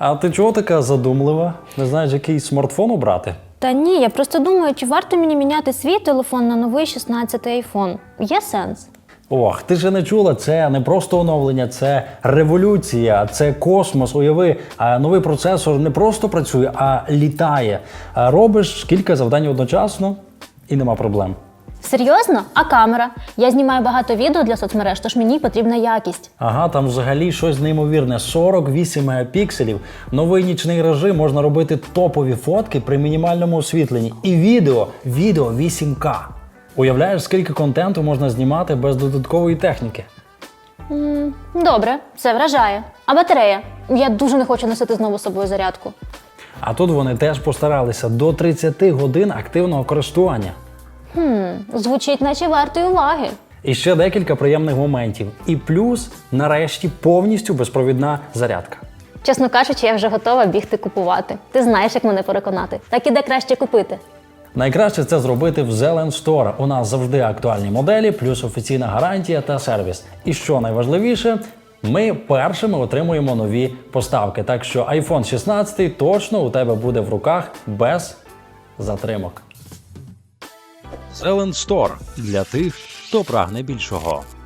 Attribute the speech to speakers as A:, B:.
A: А ти чого така задумлива? Не знаєш, який смартфон обрати?
B: Та ні, я просто думаю, чи варто мені міняти свій телефон на новий 16-й iPhone. Є сенс?
A: Ох, ти ж не чула, це не просто оновлення, це революція, це космос. Уяви, новий процесор не просто працює, а літає. Робиш кілька завдань одночасно і нема проблем.
B: Серйозно? А камера? Я знімаю багато відео для соцмереж, тож мені потрібна якість.
A: Ага, там взагалі щось неймовірне. 48 мегапікселів, новий нічний режим, можна робити топові фотки при мінімальному освітленні. І відео 8К. Уявляєш, скільки контенту можна знімати без додаткової техніки?
B: Добре, це вражає. А батарея? Я дуже не хочу носити знову з собою зарядку.
A: А тут вони теж постаралися до 30 годин активного користування.
B: Звучить, наче вартої уваги.
A: І ще декілька приємних моментів. І плюс, нарешті, повністю безпровідна зарядка.
B: Чесно кажучи, я вже готова бігти купувати. Ти знаєш, як мене переконати. Так і де краще купити.
A: Найкраще це зробити в Zelen Store. У нас завжди актуальні моделі, плюс офіційна гарантія та сервіс. І що найважливіше, ми першими отримуємо нові поставки. Так що iPhone 16 точно у тебе буде в руках без затримок.
C: Zelen Store – для тих, хто прагне більшого.